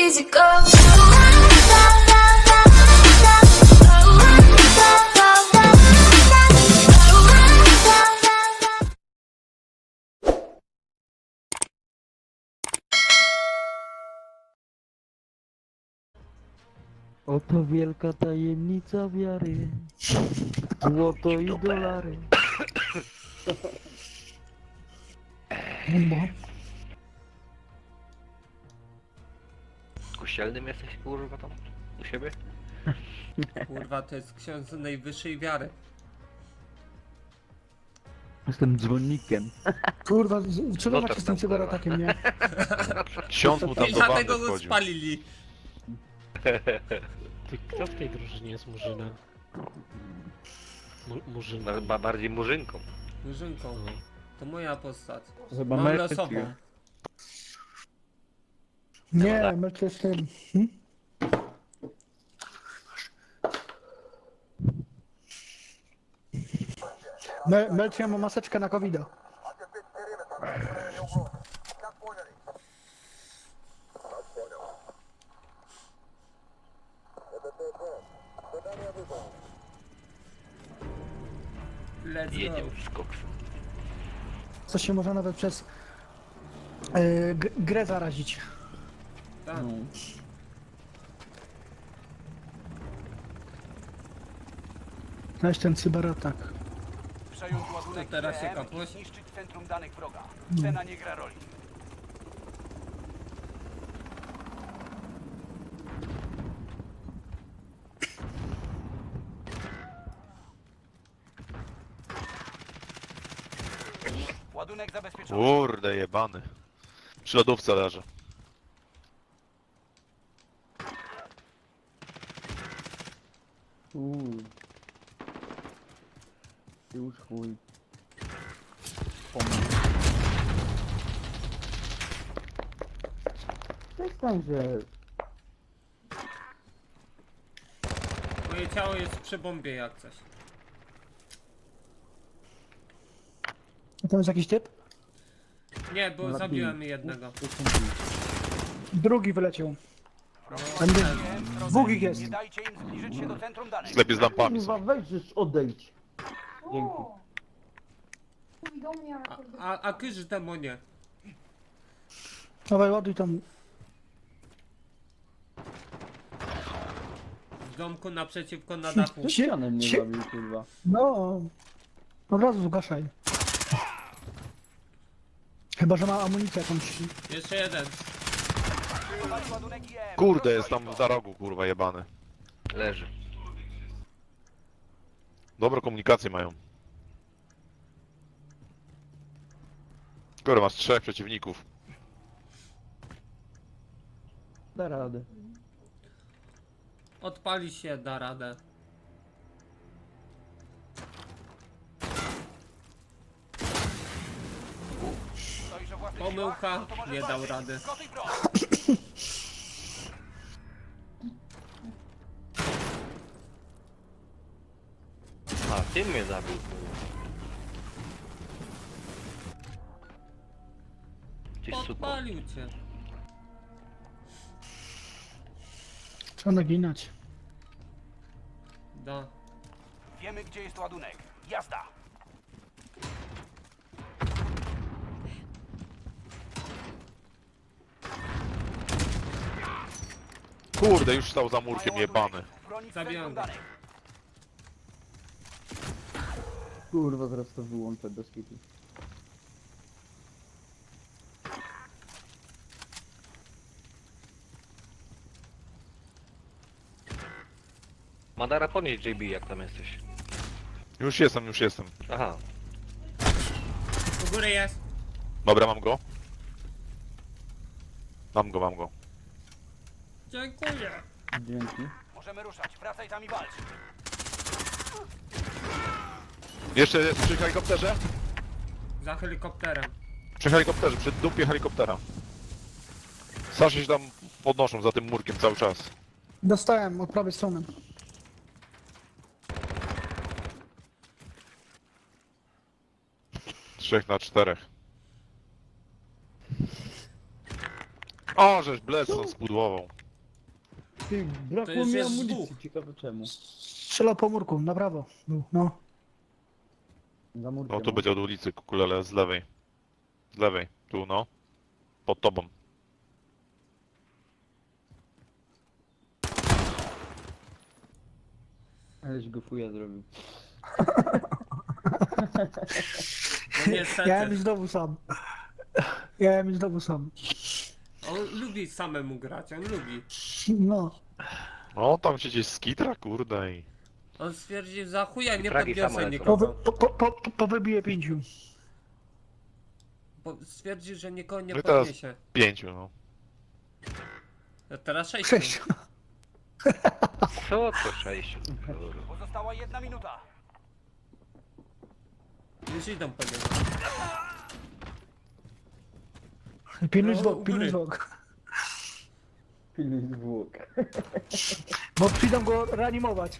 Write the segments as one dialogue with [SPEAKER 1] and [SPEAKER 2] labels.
[SPEAKER 1] easy go.
[SPEAKER 2] Oto wielka tajemnica wiary. Złoto i dolary.
[SPEAKER 3] Kościelnym jesteś, kurwa, tam? U siebie?
[SPEAKER 4] Kurwa, to jest ksiądz najwyższej wiary.
[SPEAKER 2] Jestem dzwonnikiem.
[SPEAKER 5] Kurwa,
[SPEAKER 3] No
[SPEAKER 5] czulować
[SPEAKER 3] tak
[SPEAKER 5] jestem
[SPEAKER 3] tam,
[SPEAKER 5] cyberatakiem, nie?
[SPEAKER 6] Ksiądz mu tam
[SPEAKER 4] I
[SPEAKER 6] do wanny
[SPEAKER 4] dlatego go
[SPEAKER 6] wchodził.
[SPEAKER 4] spalili.
[SPEAKER 7] Ty, kto w tej drużynie jest murzynem? Murzyn.
[SPEAKER 3] Bardziej murzynką.
[SPEAKER 4] Murzynką. To moja postać.
[SPEAKER 2] To chyba
[SPEAKER 4] Mam
[SPEAKER 2] Mercyk.
[SPEAKER 4] losową.
[SPEAKER 5] Nie, Melcie jest tym. Melcie ma maseczkę na covid -a.
[SPEAKER 4] Let's go.
[SPEAKER 3] Jedziemy w skok.
[SPEAKER 5] Co się może nawet przez grę zarazić.
[SPEAKER 4] Tak.
[SPEAKER 2] No.
[SPEAKER 5] Znajdź ten cyberatak.
[SPEAKER 8] Przejąć ładunek
[SPEAKER 4] To teraz się
[SPEAKER 8] IBM i
[SPEAKER 4] kapłeś?
[SPEAKER 8] zniszczyć centrum danych wroga. Cena nie gra roli. Ładunek zabezpieczony.
[SPEAKER 6] Kurde jebany. Przy lodówce leży.
[SPEAKER 2] Już chuj. Pomóż. Przestań, że...
[SPEAKER 4] Moje ciało jest przy bombie jak coś.
[SPEAKER 5] A tam jest jakiś typ?
[SPEAKER 4] Nie, bo
[SPEAKER 2] Na
[SPEAKER 4] zabiłem
[SPEAKER 2] ping.
[SPEAKER 4] jednego.
[SPEAKER 2] To są ci.
[SPEAKER 5] Drugi wyleciał. Tam
[SPEAKER 8] IBM
[SPEAKER 5] jest.
[SPEAKER 8] w drodze.
[SPEAKER 5] Dwóch ich jest.
[SPEAKER 8] Nie dajcie im zbliżyć się do centrum danych.
[SPEAKER 6] Sklepy z lampami
[SPEAKER 2] Kurwa,
[SPEAKER 6] są.
[SPEAKER 2] weź, żeż odejdź. Dzięki.
[SPEAKER 4] A kyż demonie.
[SPEAKER 5] Dawaj, ładuj tam.
[SPEAKER 4] W domku naprzeciwko na dachu.
[SPEAKER 2] Ścianem mnie
[SPEAKER 5] Cie-
[SPEAKER 2] zabił, kurwa.
[SPEAKER 5] No. Od razu zgaszaj. Chyba, że ma amunicję jakąś.
[SPEAKER 4] Jeszcze jeden.
[SPEAKER 8] Przyjmować ładunek IBM.
[SPEAKER 6] Kurde, jest tam za rogu, kurwa jebany.
[SPEAKER 3] Leży.
[SPEAKER 6] Dobre komunikacje mają. Skoro masz 3 przeciwników.
[SPEAKER 2] Da radę.
[SPEAKER 4] Odpali się, da radę.
[SPEAKER 8] Stoisz o własnych
[SPEAKER 4] Pomyłka,
[SPEAKER 8] siłach? No to możesz
[SPEAKER 4] nie dał
[SPEAKER 8] walczyć.
[SPEAKER 4] rady.
[SPEAKER 8] Gotuj broń.
[SPEAKER 3] A, ty mnie zabił, kurwa. Ty suko.
[SPEAKER 4] Podpalił cię.
[SPEAKER 5] Trzeba naginać.
[SPEAKER 4] Da.
[SPEAKER 8] Wiemy, gdzie jest ładunek. Jazda.
[SPEAKER 6] Kurde, już stał za murkiem
[SPEAKER 8] Mają
[SPEAKER 6] jebany.
[SPEAKER 8] ładunek. Bronić
[SPEAKER 4] Zabijam
[SPEAKER 8] centrum
[SPEAKER 4] go.
[SPEAKER 8] danych.
[SPEAKER 2] Kurwa, zaraz to wyłączę bez kitu.
[SPEAKER 3] Madara, podnieś JB, jak tam jesteś.
[SPEAKER 6] Już jestem, już jestem.
[SPEAKER 3] Aha.
[SPEAKER 4] U góry jest.
[SPEAKER 6] Dobra, mam go. Mam go, mam go.
[SPEAKER 4] Dziękuję.
[SPEAKER 2] Dzięki.
[SPEAKER 8] Możemy ruszać. Wracaj tam i walcz.
[SPEAKER 6] Jeszcze jest przy helikopterze?
[SPEAKER 4] Za helikopterem.
[SPEAKER 6] Przy helikopterze, przy dupie helikoptera. Saszy się tam podnoszą za tym murkiem cały czas.
[SPEAKER 5] Dostałem od prawej strony.
[SPEAKER 6] 3 na 4. O, żeś Bledson spudłował.
[SPEAKER 2] Ty,
[SPEAKER 4] To
[SPEAKER 2] brakło
[SPEAKER 4] już
[SPEAKER 2] mi
[SPEAKER 4] jest
[SPEAKER 2] amunicji,
[SPEAKER 4] dwóch.
[SPEAKER 2] ciekawe czemu.
[SPEAKER 5] Strzelał po murku, na prawo. Był, no.
[SPEAKER 2] Za murkiem.
[SPEAKER 6] No tu będzie od ulicy, kukulele, z lewej. Z lewej, tu no. Pod tobą.
[SPEAKER 2] Aleś go fuja zrobił.
[SPEAKER 4] No niestety.
[SPEAKER 5] Ja bym znowu sam. Ja bym znowu sam.
[SPEAKER 4] On lubi samemu grać, on lubi.
[SPEAKER 5] No.
[SPEAKER 6] O, tam się gdzieś skitra, kurde i...
[SPEAKER 4] On stwierdził, za chuja nie
[SPEAKER 3] Fragi
[SPEAKER 4] podniosę
[SPEAKER 3] same
[SPEAKER 4] nikogo.
[SPEAKER 5] Powybiję 5.
[SPEAKER 4] Bo stwierdził, że nikogo nie
[SPEAKER 6] No i teraz-
[SPEAKER 4] podniesie.
[SPEAKER 6] 5, no.
[SPEAKER 4] A teraz 6.
[SPEAKER 5] 6.
[SPEAKER 3] Co to 6?
[SPEAKER 8] Pozostała 1 minuta.
[SPEAKER 4] Już idą po niego.
[SPEAKER 5] Pilnuj
[SPEAKER 4] No,
[SPEAKER 5] zwłok,
[SPEAKER 4] u
[SPEAKER 5] pilnuj
[SPEAKER 4] góry.
[SPEAKER 5] zwłok.
[SPEAKER 2] Pilnuj zwłok.
[SPEAKER 5] Bo przyjdą go reanimować.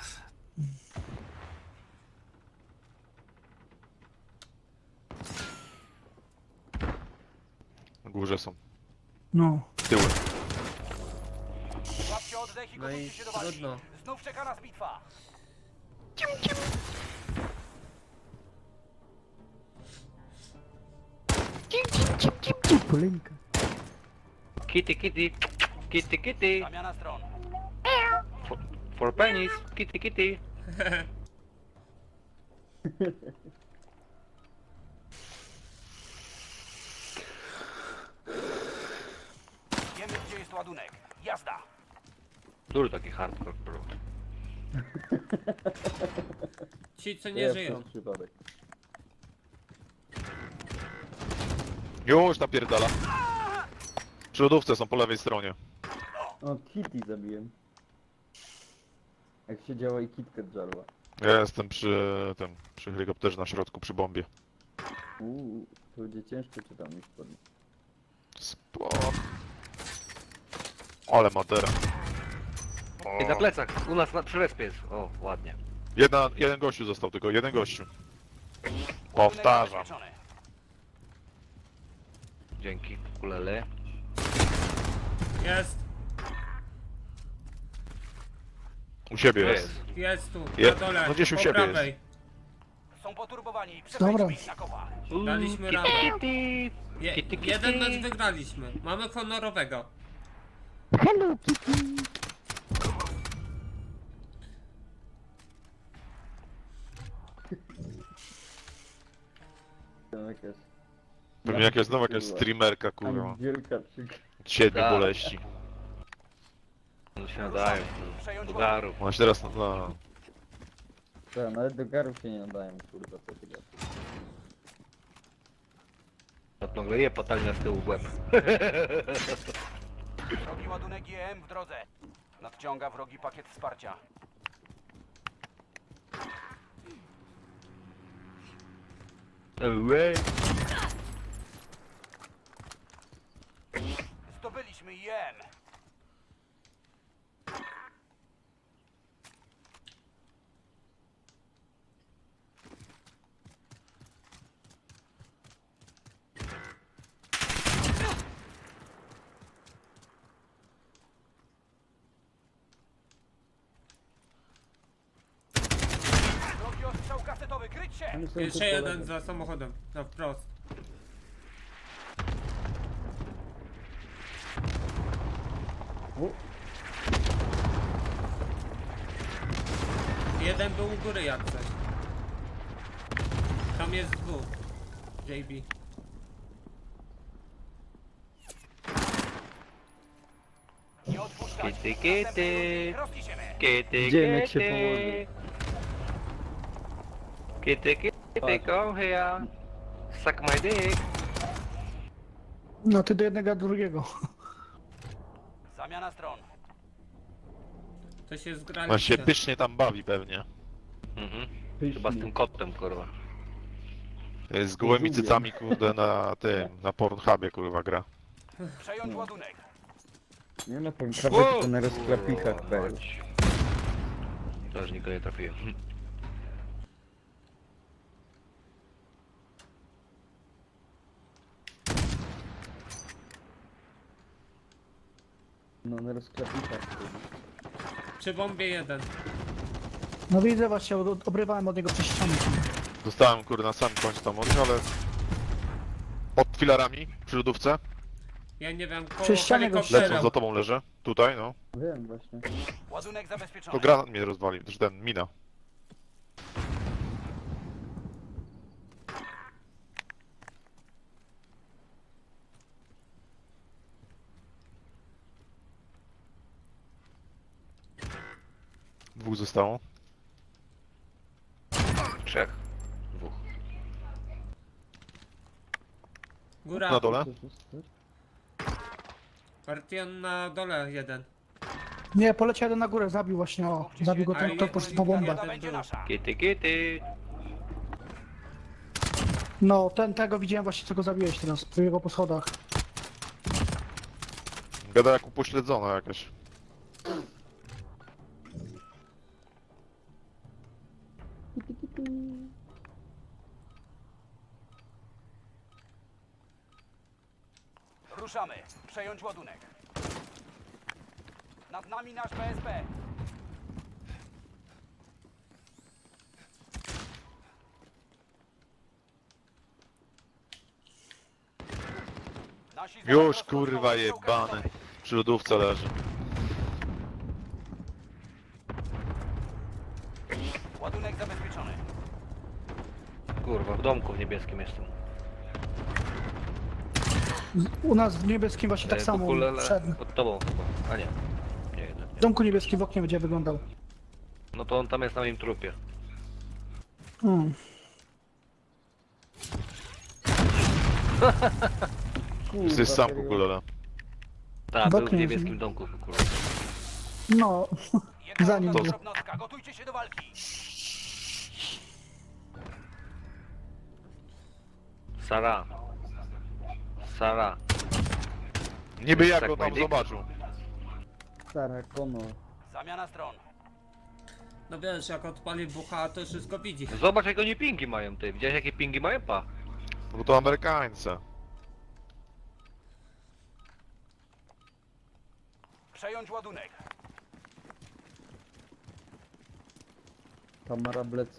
[SPEAKER 6] Na górze są.
[SPEAKER 5] No.
[SPEAKER 6] Tyły.
[SPEAKER 8] Łapcie oddech i
[SPEAKER 4] No i
[SPEAKER 8] gotujcie się do walki.
[SPEAKER 4] trudno.
[SPEAKER 8] Znów czeka nas bitwa.
[SPEAKER 2] Polinka.
[SPEAKER 3] Kitty, kitty. Kitty, kitty.
[SPEAKER 8] Zamiana stron.
[SPEAKER 3] For pennies. Kitty, kitty.
[SPEAKER 8] Wiemy, gdzie jest ładunek. Jazda.
[SPEAKER 3] Dużo taki hardcore, bro.
[SPEAKER 4] Ci co nie żyją.
[SPEAKER 2] Przez przypadek.
[SPEAKER 6] Już napierdala. Przy lodówce są po lewej stronie.
[SPEAKER 2] O, Kitty zabiłem. Jak się działa i kitkę żarła.
[SPEAKER 6] Ja jestem przy helikopterze na środku, przy bombie.
[SPEAKER 2] To będzie ciężko czy tam już podnieść.
[SPEAKER 6] Spoko. Ale matera.
[SPEAKER 3] I na plecach, u nas przy respie jest. O, ładnie.
[SPEAKER 6] Jeden gościu został tylko, jeden gościu.
[SPEAKER 8] Ładunek
[SPEAKER 6] Powtarzam.
[SPEAKER 8] zabezpieczony.
[SPEAKER 3] Dzięki, kulele.
[SPEAKER 4] Jest,
[SPEAKER 6] U siebie
[SPEAKER 3] To
[SPEAKER 6] jest.
[SPEAKER 3] jest.
[SPEAKER 4] jest tu,
[SPEAKER 6] Je-
[SPEAKER 4] na dole,
[SPEAKER 6] no gdzieś u
[SPEAKER 4] po
[SPEAKER 6] siebie
[SPEAKER 4] prawej.
[SPEAKER 8] Są poturbowani.
[SPEAKER 5] Dobra.
[SPEAKER 8] Przepraszam ich na kopa.
[SPEAKER 4] Daliśmy
[SPEAKER 3] Kitty,
[SPEAKER 4] radę.
[SPEAKER 3] kitty. Kitty, kitty.
[SPEAKER 4] Jeden mecz wygraliśmy. Mamy honorowego.
[SPEAKER 2] Tam jakaś...
[SPEAKER 6] Pewnie jakaś znowu jakaś streamerka, kurwa.
[SPEAKER 2] Angielka czy...
[SPEAKER 6] Od 7
[SPEAKER 3] Tak.
[SPEAKER 6] boleści.
[SPEAKER 3] No się nadają.
[SPEAKER 8] Przejąć
[SPEAKER 3] Do
[SPEAKER 8] ładunek.
[SPEAKER 3] garu.
[SPEAKER 6] Ona się teraz, no,
[SPEAKER 2] Tak, nawet do garów się nie nadają, kurwa, co ty gadasz.
[SPEAKER 3] Odplągleje potalnia z tyłu w łeb.
[SPEAKER 8] Wrogi ładunek GM w drodze. Nadciąga wrogi pakiet wsparcia.
[SPEAKER 3] Away.
[SPEAKER 8] Zdobyliśmy IM. Wrogi ostrzał kasetowy, kryć się!
[SPEAKER 2] Oni są
[SPEAKER 4] Jeszcze
[SPEAKER 2] tu po
[SPEAKER 4] jeden
[SPEAKER 2] lewej.
[SPEAKER 4] za samochodem, na wprost.
[SPEAKER 2] U,
[SPEAKER 4] Jeden był u góry jak coś. Tam jest dwóch. JB.
[SPEAKER 8] Nie odpuszczać.
[SPEAKER 3] Kitty,
[SPEAKER 8] Następnej
[SPEAKER 3] kitty.
[SPEAKER 8] rundy rozliczymy.
[SPEAKER 3] Kitty,
[SPEAKER 2] Dziemek się
[SPEAKER 3] kitty.
[SPEAKER 2] położył.
[SPEAKER 3] Kitty, kitty, come here. Suck my dick.
[SPEAKER 5] No ty do jednego, a do drugiego.
[SPEAKER 8] Zamiana stron.
[SPEAKER 4] To się
[SPEAKER 6] on się
[SPEAKER 4] zgraliście.
[SPEAKER 6] pysznie tam bawi pewnie.
[SPEAKER 3] Mhm.
[SPEAKER 2] pysznie.
[SPEAKER 3] Chyba z tym kotem, kurwa.
[SPEAKER 6] Z gołymi cycami, kurde, na tym, na Pornhubie, kurwa, gra.
[SPEAKER 8] Przejąć ładunek.
[SPEAKER 2] Nie na pękawek, tylko na rozklapikach PL.
[SPEAKER 3] Też nikogo nie trafiłem.
[SPEAKER 2] No na rozklepnikach.
[SPEAKER 4] Przy bombie jeden.
[SPEAKER 5] No widzę właśnie, obrywałem od niego przez ścianę.
[SPEAKER 6] Dostałem kurde na sam końcu tam od nich, ale... Pod filarami, przy lodówce.
[SPEAKER 4] Ja nie wiem, koło
[SPEAKER 5] Przy ścianie go
[SPEAKER 4] helikoptera.
[SPEAKER 6] Lecą, za tobą leżę. Tutaj, no.
[SPEAKER 2] Wiem właśnie.
[SPEAKER 8] Ładunek zabezpieczony.
[SPEAKER 6] To granat mnie rozwalił, też ten, mina. Dwóch zostało.
[SPEAKER 3] 3. 2.
[SPEAKER 4] Góra.
[SPEAKER 6] Na dole.
[SPEAKER 2] Coś jest, coś?
[SPEAKER 4] Partion na dole jeden.
[SPEAKER 5] Nie, poleciał jeden na górę, zabił właśnie, o. Zabił go ten, kto poszedł po bombę.
[SPEAKER 8] To będzie nasza.
[SPEAKER 3] Kitty.
[SPEAKER 5] No, tego widziałem właśnie, co go zabiłeś teraz, przy jego po schodach.
[SPEAKER 6] Gada jak upośledzona jakaś.
[SPEAKER 8] Ruszamy. Przejąć ładunek. Nad nami nasz PSP. Nasi
[SPEAKER 6] Już
[SPEAKER 8] zaraz
[SPEAKER 6] kurwa
[SPEAKER 8] rozpoczną strzałkę
[SPEAKER 6] jebany.
[SPEAKER 8] gotowy.
[SPEAKER 6] Przy lodówce leży.
[SPEAKER 8] Ładunek zabezpieczony.
[SPEAKER 3] Kurwa, w domku w niebieskim jestem.
[SPEAKER 5] U nas w niebieskim właśnie tak samo,
[SPEAKER 3] Ukulele
[SPEAKER 5] wszedł.
[SPEAKER 3] pod tobą chyba. A nie. Nie jeden.
[SPEAKER 5] W domku niebieskim w oknie będzie wyglądał.
[SPEAKER 3] No to on tam jest na moim trupie.
[SPEAKER 5] Mm.
[SPEAKER 6] Jesteś sam
[SPEAKER 2] serio?
[SPEAKER 6] kukulele.
[SPEAKER 3] Tak,
[SPEAKER 5] W
[SPEAKER 3] był w
[SPEAKER 5] oknie
[SPEAKER 3] niebieskim
[SPEAKER 5] jest.
[SPEAKER 3] domku kurwa.
[SPEAKER 5] No, Zanim
[SPEAKER 8] Jedna
[SPEAKER 5] był.
[SPEAKER 8] jednostka, gotujcie się do walki.
[SPEAKER 3] Sara.
[SPEAKER 6] Niby jak
[SPEAKER 3] Tak,
[SPEAKER 6] go tam
[SPEAKER 3] Wojtek?
[SPEAKER 6] zobaczył.
[SPEAKER 2] Stara Kono.
[SPEAKER 8] Zamiana stron.
[SPEAKER 4] No wiesz, jak odpali bucha, to wszystko widzi.
[SPEAKER 3] Zobacz jak oni pingi mają ty. Widziałeś jakie pingi mają? Pa.
[SPEAKER 6] Bo to Amerykańcy.
[SPEAKER 8] Przejąć ładunek.
[SPEAKER 2] Tamara Blecą.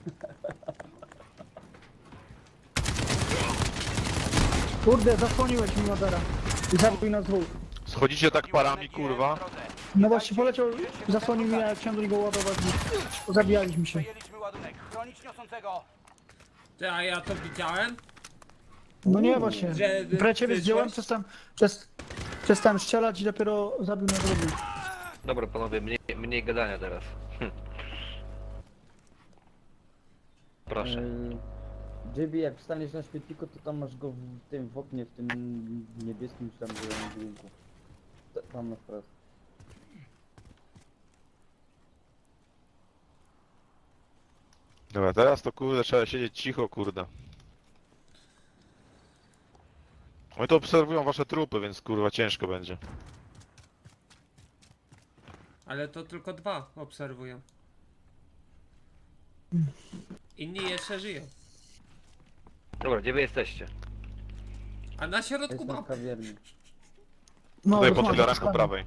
[SPEAKER 5] kurde, zasłoniłeś mi Modera. I zabił nas dwóch.
[SPEAKER 6] Schodzicie tak parami,
[SPEAKER 8] Ładunek jest
[SPEAKER 6] kurwa.
[SPEAKER 8] w drodze.
[SPEAKER 5] No właśnie poleciał, zasłonił mnie, jak chciałem do niego ładować. Zabijaliśmy się.
[SPEAKER 8] Przejęliśmy ładunek. Chronić niosącego.
[SPEAKER 4] Ty, a ja to widziałem?
[SPEAKER 5] No nie właśnie.
[SPEAKER 4] Że
[SPEAKER 5] Pre ciebie
[SPEAKER 4] wyszłeś?
[SPEAKER 5] zdjąłem, przestałem strzelać i dopiero zabił na drugi.
[SPEAKER 3] Dobra panowie, mniej gadania teraz. Proszę.
[SPEAKER 2] JB, jak wstaniesz na świetliku, to tam masz go w tym w oknie, w tym niebieskim czy tam zielonym budynku. Tam na wprost.
[SPEAKER 6] Dobra, teraz to kurde trzeba siedzieć cicho, kurde. Oni to obserwują wasze trupy, więc kurwa ciężko będzie.
[SPEAKER 4] Ale to tylko 2 obserwują. Inni jeszcze żyją.
[SPEAKER 3] Dobra, gdzie wy jesteście?
[SPEAKER 4] A na środku
[SPEAKER 2] Jestem w
[SPEAKER 4] mapy.
[SPEAKER 2] kawiarni.
[SPEAKER 5] No,
[SPEAKER 6] Tutaj pod
[SPEAKER 5] rozmawiam
[SPEAKER 6] filarem
[SPEAKER 5] z
[SPEAKER 6] po
[SPEAKER 5] panem.
[SPEAKER 6] prawej.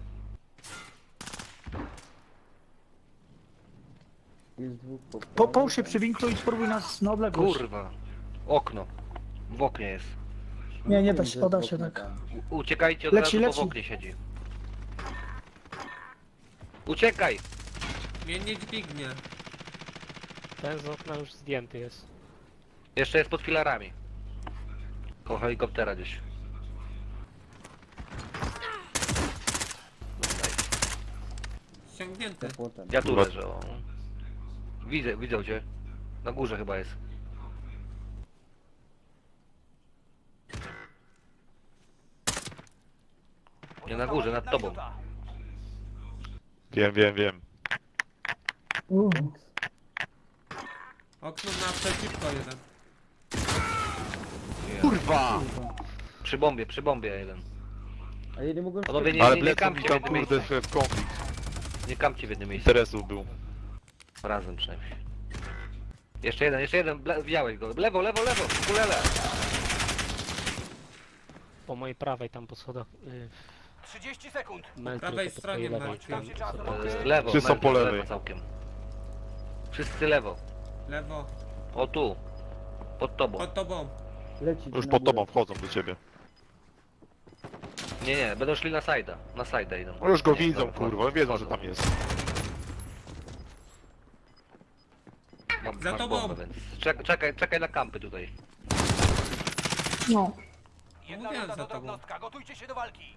[SPEAKER 2] Jest dwóch po
[SPEAKER 5] Połóż się przy winklu i spróbuj nas na odległość.
[SPEAKER 3] Kurwa. Okno. W oknie jest.
[SPEAKER 5] Nie da się, poda się tak.
[SPEAKER 3] Uciekajcie od
[SPEAKER 5] Leci,
[SPEAKER 3] razu, bo
[SPEAKER 5] leci.
[SPEAKER 3] w oknie siedzi. Uciekaj!
[SPEAKER 4] Mnie nie dźwignie.
[SPEAKER 7] Ten z okna już zdjęty jest.
[SPEAKER 3] Jeszcze jest pod filarami. Koło helikoptera gdzieś.
[SPEAKER 4] Ściągnięty.
[SPEAKER 2] Płotem.
[SPEAKER 3] Ja tu
[SPEAKER 6] Kurwa.
[SPEAKER 3] leżę. O. Widzę cię. Na górze chyba jest. Nie na górze, nad
[SPEAKER 8] Jedna
[SPEAKER 3] tobą.
[SPEAKER 8] minuta.
[SPEAKER 6] Wiem.
[SPEAKER 4] Okno naprzeciwko jeden.
[SPEAKER 6] Kurwa!
[SPEAKER 3] Przy bombie jeden.
[SPEAKER 2] A ja nie mogłem
[SPEAKER 3] Panowie,
[SPEAKER 2] wskoczyć.
[SPEAKER 6] Ale
[SPEAKER 3] nie
[SPEAKER 6] Blecą
[SPEAKER 3] kamcie
[SPEAKER 6] mi
[SPEAKER 3] w
[SPEAKER 6] tam
[SPEAKER 3] jednym
[SPEAKER 6] kurde
[SPEAKER 3] miejscu.
[SPEAKER 6] w konflikt
[SPEAKER 3] Nie kamcie w jednym miejscu.
[SPEAKER 6] interesów był.
[SPEAKER 3] Razem przynajmniej. Jeszcze jeden. Wziąłeś go. Lewo, kulele.
[SPEAKER 7] Po mojej prawej tam po schodach.
[SPEAKER 8] 30 sekund.
[SPEAKER 7] Mel
[SPEAKER 4] prawej
[SPEAKER 7] tylko po
[SPEAKER 4] stronie
[SPEAKER 7] twojej lewej.
[SPEAKER 4] Marcin.
[SPEAKER 8] Tam się czasu.
[SPEAKER 3] Lewo,
[SPEAKER 6] Wszyscy
[SPEAKER 3] Melton,
[SPEAKER 6] po lewej.
[SPEAKER 3] lewo całkiem. Wszyscy lewo.
[SPEAKER 4] Lewo.
[SPEAKER 3] O tu. Pod tobą.
[SPEAKER 4] Pod tobą.
[SPEAKER 2] Leci
[SPEAKER 6] Już
[SPEAKER 2] na
[SPEAKER 6] pod
[SPEAKER 2] górę.
[SPEAKER 6] tobą wchodzą do ciebie.
[SPEAKER 3] Nie, będą szli na side'a. Na side'a idą.
[SPEAKER 6] No już go
[SPEAKER 3] Nie,
[SPEAKER 6] widzą,
[SPEAKER 3] dobra,
[SPEAKER 6] kurwa, wiedzą,
[SPEAKER 3] wchodzą.
[SPEAKER 6] że tam jest.
[SPEAKER 4] Za
[SPEAKER 3] Masz
[SPEAKER 4] tobą.
[SPEAKER 3] bombę, więc czekaj na kampy tutaj.
[SPEAKER 5] No.
[SPEAKER 8] Jedna
[SPEAKER 4] Mówiłem
[SPEAKER 8] runda
[SPEAKER 4] za
[SPEAKER 8] do
[SPEAKER 4] tobą.
[SPEAKER 8] drobnostka. Gotujcie się do walki.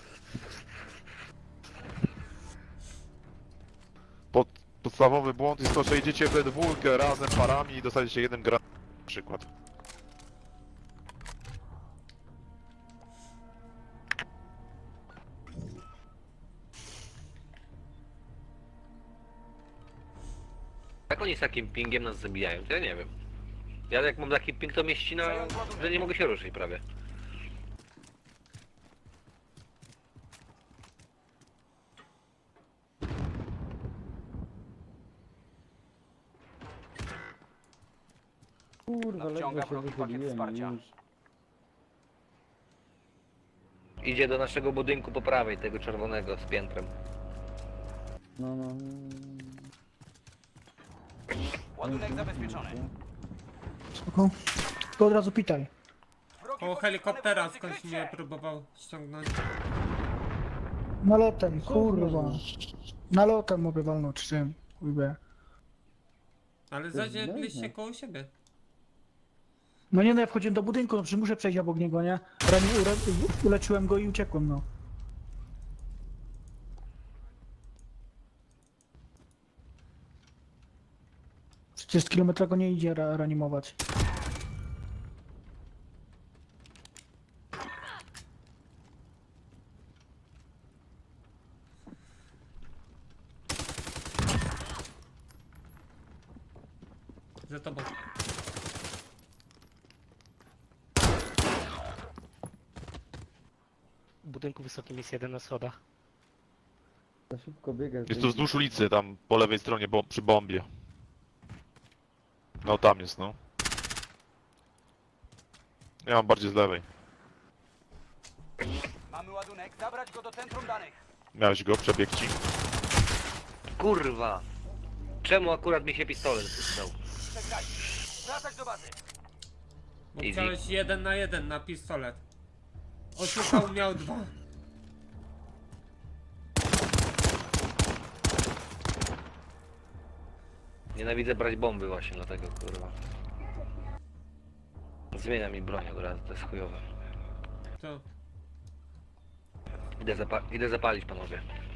[SPEAKER 6] Podstawowy błąd jest to, że idziecie we dwójkę razem parami i dostajecie jeden granat na przykład.
[SPEAKER 3] Jak oni z takim pingiem nas zabijają, to ja nie wiem. Ja jak mam taki ping, to mnie ścina, że nie mogę się ruszyć prawie.
[SPEAKER 2] Kurwa,
[SPEAKER 8] Nadciąga
[SPEAKER 2] ledwo się
[SPEAKER 8] wrogi pakiet
[SPEAKER 2] wychyliłem
[SPEAKER 8] wsparcia.
[SPEAKER 2] już.
[SPEAKER 3] Idzie do naszego budynku po prawej, tego czerwonego z piętrem.
[SPEAKER 2] No.
[SPEAKER 8] Ładunek zabezpieczony.
[SPEAKER 5] Spoko. To od razu pitaj.
[SPEAKER 8] Wrogi
[SPEAKER 4] Koło
[SPEAKER 8] pocisk
[SPEAKER 4] helikoptera
[SPEAKER 8] manewrujący,
[SPEAKER 4] skądś
[SPEAKER 8] krycie!
[SPEAKER 4] mnie próbował ściągnąć.
[SPEAKER 5] Nalotem, kurwa. Nalotem mogę walnąć czym. Kurwa.
[SPEAKER 4] Ale
[SPEAKER 2] To
[SPEAKER 4] zaziedliście
[SPEAKER 2] jest
[SPEAKER 4] koło siebie.
[SPEAKER 5] No nie no, ja wchodziłem do budynku, no przecież muszę przejść obok niego, nie? Uleczyłem go i uciekłem, no. Przecież z kilometra go nie idzie reanimować.
[SPEAKER 4] Za tobą.
[SPEAKER 7] W budynku wysokim jest jeden na schodach.
[SPEAKER 2] Za szybko biega.
[SPEAKER 6] Jest to wzdłuż ulicy, tam po lewej stronie, przy bombie. No tam jest, no. Ja mam bardziej z lewej.
[SPEAKER 8] Mamy ładunek. Zabrać go do centrum danych.
[SPEAKER 6] Miałeś go, przebieg ci.
[SPEAKER 3] Kurwa! Czemu akurat mi się pistolet przydał?
[SPEAKER 8] Przegrali. Wracać do bazy.
[SPEAKER 4] Bo
[SPEAKER 3] Easy.
[SPEAKER 4] chciałeś 1 na 1 na pistolet. Oszukał, miał 2.
[SPEAKER 3] Nienawidzę brać bomby właśnie, dlatego kurwa. Zmienia mi broń od razu, to jest chujowe.
[SPEAKER 4] To.
[SPEAKER 3] Idę zapalić, panowie.